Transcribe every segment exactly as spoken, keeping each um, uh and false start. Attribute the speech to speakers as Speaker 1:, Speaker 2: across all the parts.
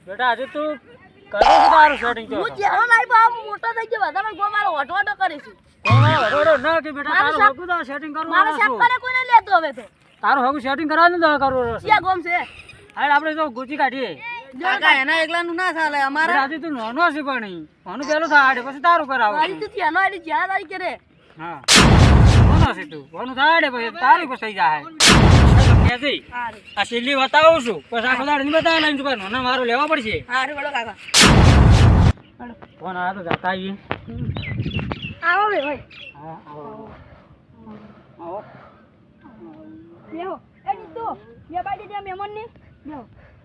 Speaker 1: બેટા આજે તું કરો છો તારું સેટિંગ તો
Speaker 2: હું જેવો લાઈ બાપ મોટો થઈ ગયો બધા ગો મારો ઓટો ઓટો કરીશું
Speaker 1: કોણ વડોડો ના કે બેટા તારું હગું તો સેટિંગ કરવું
Speaker 2: મારો શેપ કરે કોઈ ન લેતો હવે તો
Speaker 1: તારું હગું સેટિંગ કરવાનું તો કરવું
Speaker 2: ક્યાં ગોમ છે
Speaker 1: હાલ આપણે તો ગુચી કાઢીએ
Speaker 2: કાકા એના એકલાનું ના ચાલે અમારા
Speaker 1: આજે તું નોનો છે પણ કોનું પેલું થાય પછી તારું કરાવ
Speaker 2: મારી તો ત્યાંનો આડી જ્યાં તારી કરે
Speaker 1: હા કોનો છે તું કોનું થાય પછી તારી પછી થઈ જાય કેસી
Speaker 2: હારું
Speaker 1: આ સિલ્લી બતાવું છું પછી આખો દાડ નહીં બતાવે લઈને તું નોનો મારું લેવા પડશે
Speaker 2: હારું વડો કાકા
Speaker 1: ફોન આ તો જાતા આવીએ
Speaker 2: આવો બે ભાઈ
Speaker 1: હા આવો આવો
Speaker 2: બેહો એ દીદો બે બાજુ દે મહેમાન ને બેહો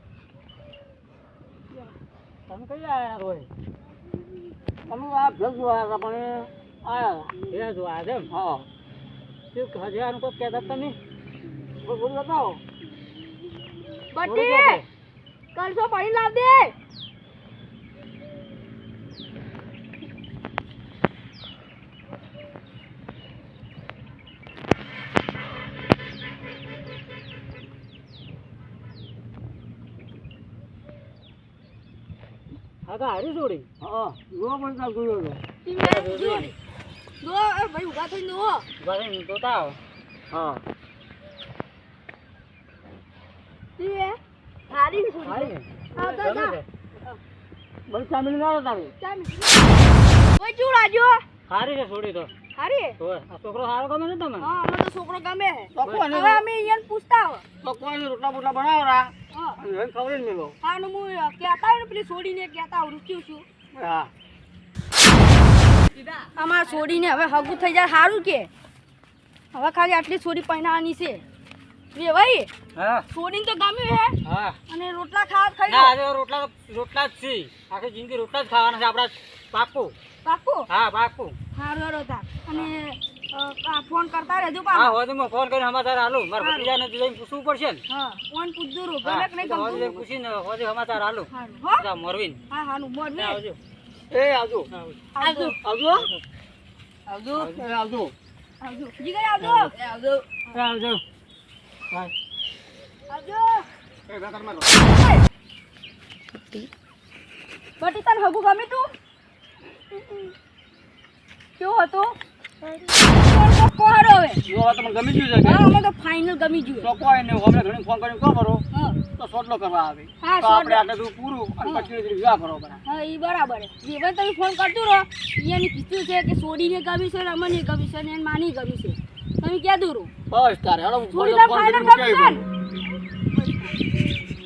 Speaker 1: તમે કઈ આયા રોય તમે આ ભેગ જોયા પણ આયા એ જોયા છે હા શું હજારનું કોઈ કહેતા તમે બોલ બતાવો
Speaker 2: બટી કલસો પાણી લાવ દે
Speaker 1: હા તો હારી છોડી હા જો પણ કાલ જોયો તો
Speaker 2: ટીમે જો દો એ ભાઈ ઉભા થઈને દો
Speaker 1: ભાઈ તો તાવ હા
Speaker 2: ટીમે હારી છોડી
Speaker 1: હારી
Speaker 2: આ તો જા
Speaker 1: બસ સામેલ ના તારે
Speaker 2: ચાલ ઓય ચૂડા જો
Speaker 1: હારી છે છોડી તો
Speaker 2: હારી
Speaker 1: તો આ છોકરો સારો ગમે છે તમને
Speaker 2: હા અમે તો છોકરો ગમે હે
Speaker 1: તો કોને
Speaker 2: હવે અમે ઈયન પૂછતા હો
Speaker 1: તો કોઈ રોટલા બોટલા બનાવરા
Speaker 2: હા
Speaker 1: હવે ખબર જ મેલો
Speaker 2: હા નું હું કહેતા ને પેલી છોડીને કહેતા રૂક્યું છું
Speaker 1: હા
Speaker 2: અમાર છોડીને હવે હગું થઈ જાય સારું કે હવે ખાલી આટલી છોડી પહેરાવાની છે રે ભાઈ
Speaker 1: હા
Speaker 2: છોડીને તો ગમ્યું હે
Speaker 1: હા
Speaker 2: અને રોટલા ખાવા ખાઈ
Speaker 1: ના
Speaker 2: લો
Speaker 1: આજે રોટલા રોટલા જ છે આખી જિંદગી રોટલા જ ખાવાના છે આપડા પાકું
Speaker 2: પાકું
Speaker 1: હા પાકું
Speaker 2: સારું હારો તા અને અ, આ ફોન કરતા રહેજો
Speaker 1: હા
Speaker 2: પાછો
Speaker 1: હોય તો ફોન કરીને સમાચાર હાલો મારા ભત્રીજાને જઈને પૂછવું પડશે ને
Speaker 2: હા ફોન પૂછજો રો
Speaker 1: હા
Speaker 2: ગમે કે નહીં
Speaker 1: તો હોય
Speaker 2: ગમતું
Speaker 1: પૂછીને હોય સમાચાર હાલો
Speaker 2: હારું હો
Speaker 1: જા મોરવીન
Speaker 2: હા હાનું બોલ ને
Speaker 1: આવજો એ આવજો
Speaker 2: આવજો
Speaker 1: આવજો
Speaker 2: આવજો
Speaker 1: એ આવજો
Speaker 2: આવજો જીગર આવજો આવજો
Speaker 1: એ આવજો બાય
Speaker 2: આવજો
Speaker 1: એ બેકાર મારો
Speaker 2: બટી તને હગું ગમે તું કેવો હતો કોહરો હવે
Speaker 1: જો વાત તમને ગમી ગયું છે
Speaker 2: હા અમે તો ફાઇનલ ગમી ગયું
Speaker 1: તો કોઈ ને હમણાં ઘણી ફોન કરીને કહો કરો
Speaker 2: હા
Speaker 1: તો સોટલો કરવા આવે
Speaker 2: હા,
Speaker 1: તો આપણે
Speaker 2: સોટલો.
Speaker 1: આટલે બધું પૂરું અને પછી વિવાહ કરો બરા
Speaker 2: હા એ બરાબર છે જે ભાઈ તમે ફોન કરતું રહો અહીંયાની કીધું છે કે સોડીને ગમી છે રમણને ગમી છે ને એને માની ગમી છે તમે ક્યાં દૂર
Speaker 1: બસ તારે હેડો
Speaker 2: થોડી
Speaker 1: ફોન
Speaker 2: વાર
Speaker 1: કરીને
Speaker 2: ફાઇનલ
Speaker 1: મૂકી
Speaker 2: ગમી છે
Speaker 1: આવી
Speaker 2: ને?